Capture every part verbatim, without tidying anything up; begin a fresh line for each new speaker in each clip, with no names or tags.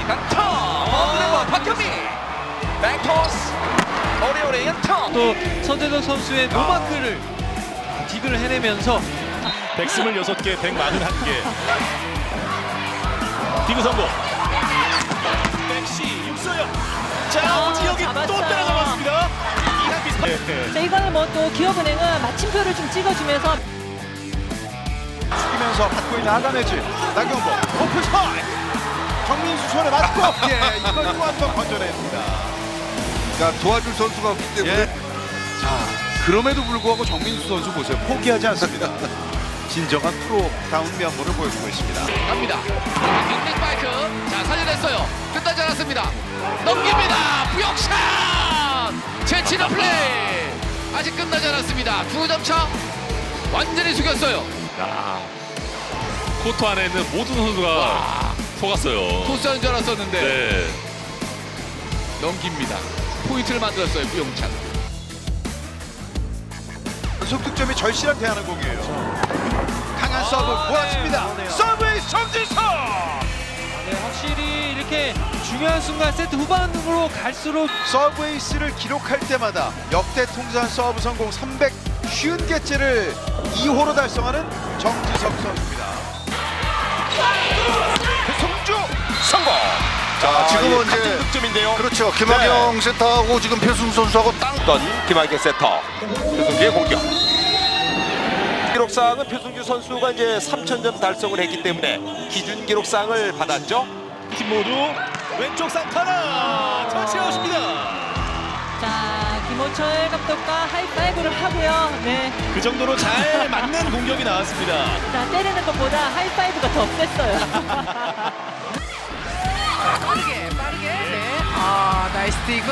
강타 어드레버 박현미 백토스 오리오리 연타.
또 서재덕 선수의 노마크를 딕을 해내면서
백스물 여섯 개, 백사십일 개. 디그 성공. 백시 육소영. 자,
아,
오지혁이 또
잡았어요.
따라잡았습니다. 이랑 비슷해.
자, 이거는 뭐 또 기업은행은 마침표를 좀 찍어주면서
숙이면서 받고 있는 아담해지 나경범 오픈 스파이 정민수 손에 맞고 예 이걸 또 한 번 건져냅니다.
그러니까 도와줄 선수가 없기 때문에
예. 자 그럼에도 불구하고 정민수 선수 보세요, 포기하지 않습니다. 진정한 프로다운 면모를 보여주고 있습니다.
갑니다. 빅빅 스파이크. 자, 살려냈어요. 끝나지 않았습니다. 넘깁니다. 부역샷. 제치는 플레이. 아직 끝나지 않았습니다. 두 점 차. 완전히 숙였어요.
야, 코트 안에 있는 모든 선수가 속았어요.
토스하는 줄 알았었는데
네.
넘깁니다. 포인트를 만들었어요. 부영찬.
연속 득점이 절실한 대한항공이에요. 강한 서브
네,
모았습니다.
그러네요.
서브의 정진석.
네, 확실히 이렇게 중요한 순간 세트 후반으로 갈수록
서브 에이스를 기록할 때마다 역대 통산 서브 성공 삼백오십 개째를 이 호로 달성하는 정지석 선수입니다. 송주 성공.
자 지금은
같은
이제
득점인데요.
그렇죠 김학영 세터하고 지금 표승 선수하고 땅던 김학영 세터 표승주의 공격.
기록상은 표승주 선수가 이제 삼천 점 달성을 했기 때문에 기준 기록상을 받았죠.
팀 모두 왼쪽 상타나 터치아웃입니다.
자, 김호철 감독과 하이파이브를 하고요. 네,
그 정도로 잘 맞는 공격이 나왔습니다.
자, 때리는 것보다 하이파이브가 더 셌어요.
빠르게 빠르게 네. 아 나이스 디그.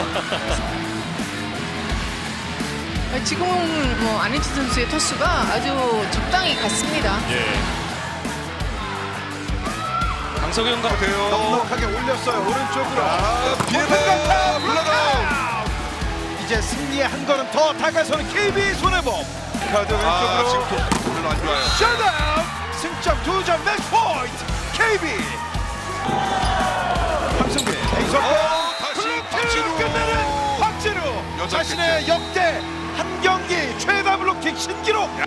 아, 지금은 뭐 안혜지 선수의 토스가 아주 적당히 갔습니다.
예. 강석영 같아요.
넉넉하게 올렸어요. 오른쪽으로.
비에다 물러나.
이제 승리에 한 걸음 더 다가서는 케이비 손해범. 카드
아
왼쪽으로.
지금 별로 안 좋아요.
셧다운. 승점 두 점 매치 포인트. 케이비. 황승빈. 에이서
어, 다시 박진우.
끝내는 박진우.
여덟
자신의 역대 한 경기 최다 블록킥 신기록.